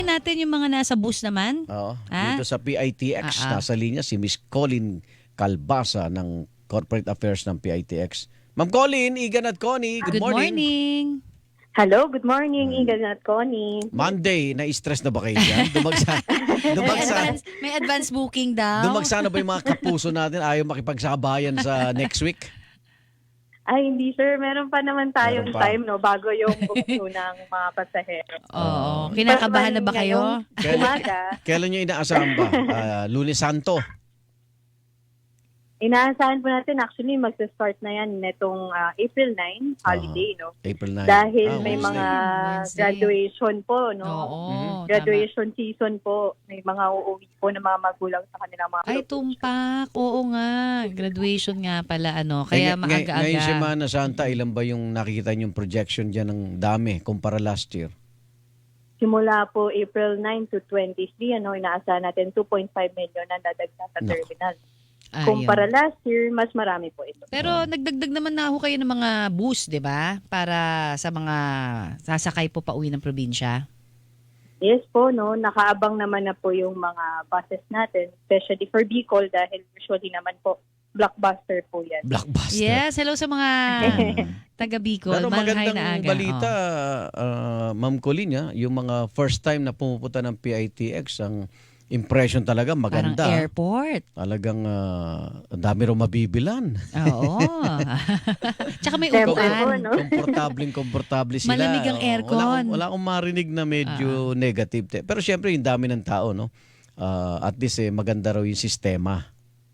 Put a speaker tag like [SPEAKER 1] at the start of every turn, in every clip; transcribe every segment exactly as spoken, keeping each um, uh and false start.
[SPEAKER 1] natin yung mga nasa bus naman.
[SPEAKER 2] Oo.
[SPEAKER 1] Ah?
[SPEAKER 2] Dito sa P I T X,
[SPEAKER 1] Ah, ah.
[SPEAKER 2] nasa linya si Miss Colin Calbasa ng Corporate Affairs ng P I T X. Ma'am Colin, Igan at Connie, good,
[SPEAKER 1] Good morning.
[SPEAKER 3] Hello, good morning, Igan at Connie.
[SPEAKER 2] Monday, na-stress na ba kayo dyan? Dumagsa,
[SPEAKER 1] May
[SPEAKER 2] dumagsa,
[SPEAKER 1] advance, may advance booking daw.
[SPEAKER 2] dumagsa na ba yung mga kapuso natin ayaw makipagsabayan sa next week?
[SPEAKER 3] Ay, hindi sir, meron pa naman tayong
[SPEAKER 2] Meron pa.
[SPEAKER 3] time no bago yung bukso ng mga pasahero.
[SPEAKER 1] Oo. Kinakabahan na ba kayo?
[SPEAKER 3] Ngayong Umaga,
[SPEAKER 2] Kailan nyo inaasahan ba? Ah, Lunes Santo.
[SPEAKER 3] inaasahan po natin actually magsa-start na yan netong ah, April ninth, holiday, no?
[SPEAKER 2] April ninth.
[SPEAKER 3] Dahil
[SPEAKER 2] Ah,
[SPEAKER 3] may
[SPEAKER 2] Wednesday.
[SPEAKER 3] mga
[SPEAKER 1] Wednesday.
[SPEAKER 3] graduation po, no?
[SPEAKER 1] Oo.
[SPEAKER 2] Mhm.
[SPEAKER 3] Graduation season po. May mga uuwi po ng mga magulang sa kanilang mga
[SPEAKER 1] Ay, tumpak. Oo nga. Graduation nga pala, ano.
[SPEAKER 2] Eh,
[SPEAKER 1] Kaya
[SPEAKER 2] ngay- ngay-
[SPEAKER 1] maaga-aga.
[SPEAKER 2] Ngayong Semana Santa, ilan ba yung nakikita yung projection dyan ng dami kumpara last year?
[SPEAKER 3] Simula po April ninth to twenty-three, ano, inaasahan natin two point five million na dadagdag sa
[SPEAKER 2] Naku.
[SPEAKER 3] terminal.
[SPEAKER 1] Ayun.
[SPEAKER 3] Kumpara last year, mas marami po ito.
[SPEAKER 1] Pero nagdagdag naman na ho kayo ng mga bus, di ba? Para sa mga sasakay po pa uwi ng probinsya.
[SPEAKER 3] Yes po, no, nakaabang naman na po yung mga buses natin, especially for Bicol dahil usually naman po blockbuster po yan.
[SPEAKER 2] Blockbuster.
[SPEAKER 1] Yes, hello sa mga taga Bicol.
[SPEAKER 2] Pero
[SPEAKER 1] Malhay
[SPEAKER 2] magandang
[SPEAKER 1] na aga.
[SPEAKER 2] balita,
[SPEAKER 1] Oh.
[SPEAKER 2] ah, Ma'am Colin, ah, yung mga first time na pumupunta ng P I T X, ang impression talaga
[SPEAKER 1] Parang
[SPEAKER 2] maganda.
[SPEAKER 1] airport.
[SPEAKER 2] Talagang ah, ang dami rin mabibilan.
[SPEAKER 1] Oo. Tsaka may
[SPEAKER 3] Siyempre
[SPEAKER 1] upuan.
[SPEAKER 3] po, no?
[SPEAKER 2] Komportableng komportable sila.
[SPEAKER 1] Malamig ang
[SPEAKER 2] Oo,
[SPEAKER 1] aircon.
[SPEAKER 2] Wala, akong- wala akong marinig na medyo negative. te- Pero syempre yung dami ng tao, no? Ah, at least eh, maganda raw yung sistema.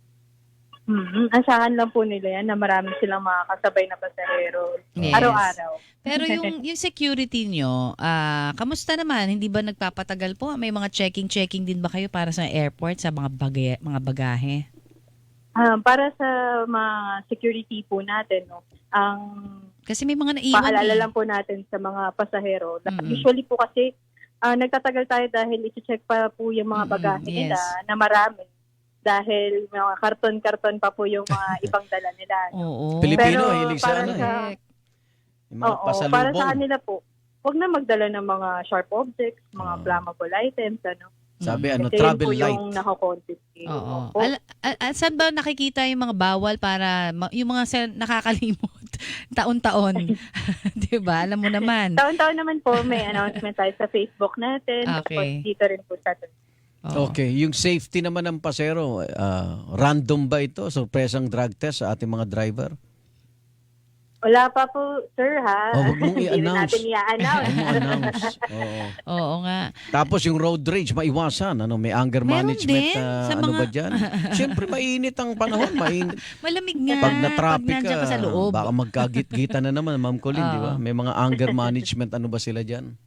[SPEAKER 3] Mhm. Asahan lang po nila yan na marami silang mga kasabay na pasahero
[SPEAKER 1] Yes.
[SPEAKER 3] araw-araw.
[SPEAKER 1] Pero yung yung security nyo, ah, kamusta naman? Hindi ba nagpapatagal po? May mga checking-checking din ba kayo para sa airport, sa mga, bagay, mga bagahe?
[SPEAKER 3] Ah, para sa mga security po natin, no, ang
[SPEAKER 1] Kasi may mga naiwan
[SPEAKER 3] paalala
[SPEAKER 1] eh.
[SPEAKER 3] lang po natin sa mga pasahero.
[SPEAKER 1] Mm-mm.
[SPEAKER 3] Usually po kasi ah, nagtatagal tayo dahil i-check pa po yung mga
[SPEAKER 1] Mm-mm,
[SPEAKER 3] bagahe
[SPEAKER 1] yes.
[SPEAKER 3] nila na marami. Dahil mga karton-karton pa po yung mga ibang dala nila.
[SPEAKER 1] Oo.
[SPEAKER 2] Pilipino,
[SPEAKER 3] Pero
[SPEAKER 2] hilig sa
[SPEAKER 3] para
[SPEAKER 2] ano eh.
[SPEAKER 3] sa-
[SPEAKER 2] Yung mga
[SPEAKER 3] Oo,
[SPEAKER 2] pasalubong.
[SPEAKER 3] para sa kanila po, huwag na magdala ng mga sharp objects, mga
[SPEAKER 2] Oo.
[SPEAKER 3] flammable items, ano.
[SPEAKER 2] Sabi
[SPEAKER 1] Mm.
[SPEAKER 2] ano,
[SPEAKER 3] Kasi yun
[SPEAKER 2] travel
[SPEAKER 3] po
[SPEAKER 2] light.
[SPEAKER 3] yung nakakonfiscate.
[SPEAKER 1] Oo.
[SPEAKER 3] Opo.
[SPEAKER 1] Al- al- al- saan ba nakikita yung mga bawal para ma- yung mga sa- nakakalimot taon-taon? 'Di ba? Alam mo naman.
[SPEAKER 3] Taon-taon naman po may announcement tayo sa Facebook natin.
[SPEAKER 1] Okay.
[SPEAKER 3] Tapos dito rin po sa
[SPEAKER 1] Oo.
[SPEAKER 2] Okay, yung safety naman ng pasero, ah, random ba ito? Surpresang drug test sa ating mga driver?
[SPEAKER 3] Wala pa po, sir, ha?
[SPEAKER 2] Oh, wag mong
[SPEAKER 3] Hindi rin
[SPEAKER 2] i-announce.
[SPEAKER 3] natin i-announce.
[SPEAKER 2] Ano mo announce? Oo.
[SPEAKER 1] Oo nga.
[SPEAKER 2] Tapos yung road rage, maiwasan. Ano, may anger
[SPEAKER 1] Meron
[SPEAKER 2] management
[SPEAKER 1] din
[SPEAKER 2] na
[SPEAKER 1] sa
[SPEAKER 2] ano
[SPEAKER 1] mga-
[SPEAKER 2] ba dyan? Siyempre, mainit ang panahon. Mainit.
[SPEAKER 1] Malamig nga.
[SPEAKER 2] Pag na-traffic
[SPEAKER 1] nandiyan ka sa loob.
[SPEAKER 2] baka magkagit-gita na naman, Ma'am Colin, di ba?
[SPEAKER 1] Oo.
[SPEAKER 2] May mga anger management, ano ba sila dyan?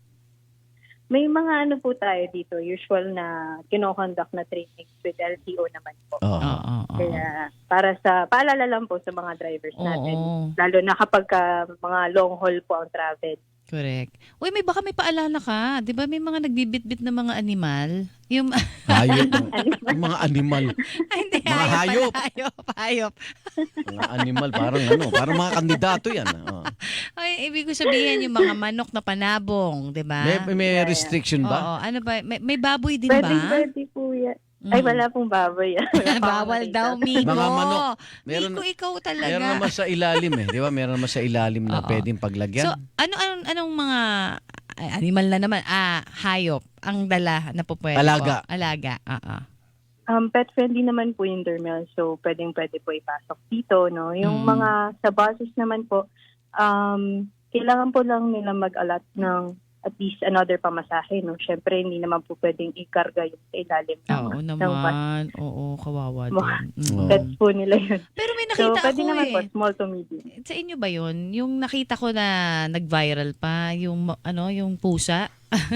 [SPEAKER 3] May mga ano po tayo dito, usual na kinoconduct na trainings with L T O naman po.
[SPEAKER 2] Oo.
[SPEAKER 1] Oo. oo.
[SPEAKER 3] Kaya para sa, paalala lang po sa mga drivers natin.
[SPEAKER 1] Oo.
[SPEAKER 3] Lalo na kapag ka, mga long haul po ang travel.
[SPEAKER 1] Correct. Uy, may baka may paalala ka. 'Di ba may mga nagbibitbit na mga animal? Yung
[SPEAKER 2] Hayop. Yung mga animal.
[SPEAKER 1] Ay, hindi,
[SPEAKER 2] Mga hayop.
[SPEAKER 1] Hayop, hayop.
[SPEAKER 2] Mga animal, parang ano, parang mga kandidato yan. Oo.
[SPEAKER 1] Ay, ibig ko sabihin yung mga manok na panabong, 'di ba?
[SPEAKER 2] May, may restriction ba?
[SPEAKER 1] Oo, ano ba? May, may baboy din
[SPEAKER 3] Pwede,
[SPEAKER 1] ba?
[SPEAKER 3] pwede po yan.
[SPEAKER 1] Mm.
[SPEAKER 3] Ay, wala pong baboy. Wala pa
[SPEAKER 1] Bawal
[SPEAKER 3] akong
[SPEAKER 1] daw,
[SPEAKER 3] nakita.
[SPEAKER 1] Miko.
[SPEAKER 2] Mga manok. Meron-
[SPEAKER 1] Miko, ikaw talaga.
[SPEAKER 2] Meron naman sa ilalim eh. Di ba? Meron naman sa ilalim na
[SPEAKER 1] Oo.
[SPEAKER 2] pwedeng paglagyan.
[SPEAKER 1] So, ano anong, anong mga ay, animal na naman? Ah, hayop ang dala na po pwede
[SPEAKER 2] Alaga.
[SPEAKER 1] po. Alaga. Oo.
[SPEAKER 3] Um, pet friendly naman po yung dermal, so pwedeng pwede po ipasok dito, no? Yung
[SPEAKER 1] Mm.
[SPEAKER 3] mga sa buses naman po, um, kailangan po lang nila mag-allot ng at least another pamasahe, no? Syempre, hindi naman po pwedeng ikarga yung sa ilalim ng,
[SPEAKER 1] Oo
[SPEAKER 3] ng bus.
[SPEAKER 1] naman. Oo, kawawa
[SPEAKER 3] Mga
[SPEAKER 1] din. Mm.
[SPEAKER 3] Pet po nila yun.
[SPEAKER 1] Pero may
[SPEAKER 3] So,
[SPEAKER 1] nakita
[SPEAKER 3] pwede
[SPEAKER 1] ako
[SPEAKER 3] naman
[SPEAKER 1] eh.
[SPEAKER 3] po, small to medium.
[SPEAKER 1] Sa inyo ba yun? Yung nakita ko na nag-viral pa, yung ano, yung pusa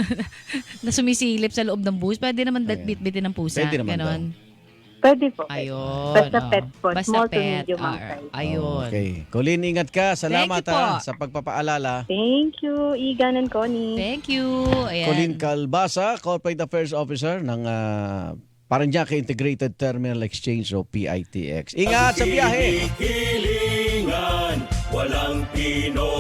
[SPEAKER 1] na sumisilip sa loob ng bus. Pwede naman
[SPEAKER 2] Ayan.
[SPEAKER 1] bit-bitin ng pusa.
[SPEAKER 2] Pwede naman
[SPEAKER 1] Ganon.
[SPEAKER 3] Pwede po.
[SPEAKER 1] Ayun.
[SPEAKER 3] Basta
[SPEAKER 1] oo.
[SPEAKER 3] pet po,
[SPEAKER 1] Basta
[SPEAKER 3] small to
[SPEAKER 1] pet.
[SPEAKER 3] medium ang
[SPEAKER 1] Ah,
[SPEAKER 3] size.
[SPEAKER 1] Ayun.
[SPEAKER 2] Okay. Colin, ingat ka. Salamat
[SPEAKER 1] Thank you
[SPEAKER 2] ha,
[SPEAKER 1] po.
[SPEAKER 2] sa pagpapaalala.
[SPEAKER 3] Thank you, Igan and Connie.
[SPEAKER 1] Thank you. Ayan.
[SPEAKER 2] Colin Calbasa, Corporate Affairs Officer ng uh, Paranaque Integrated Terminal Exchange o P I T X. Ingat sa biyahe!
[SPEAKER 4] Hilingan, walang Pinoy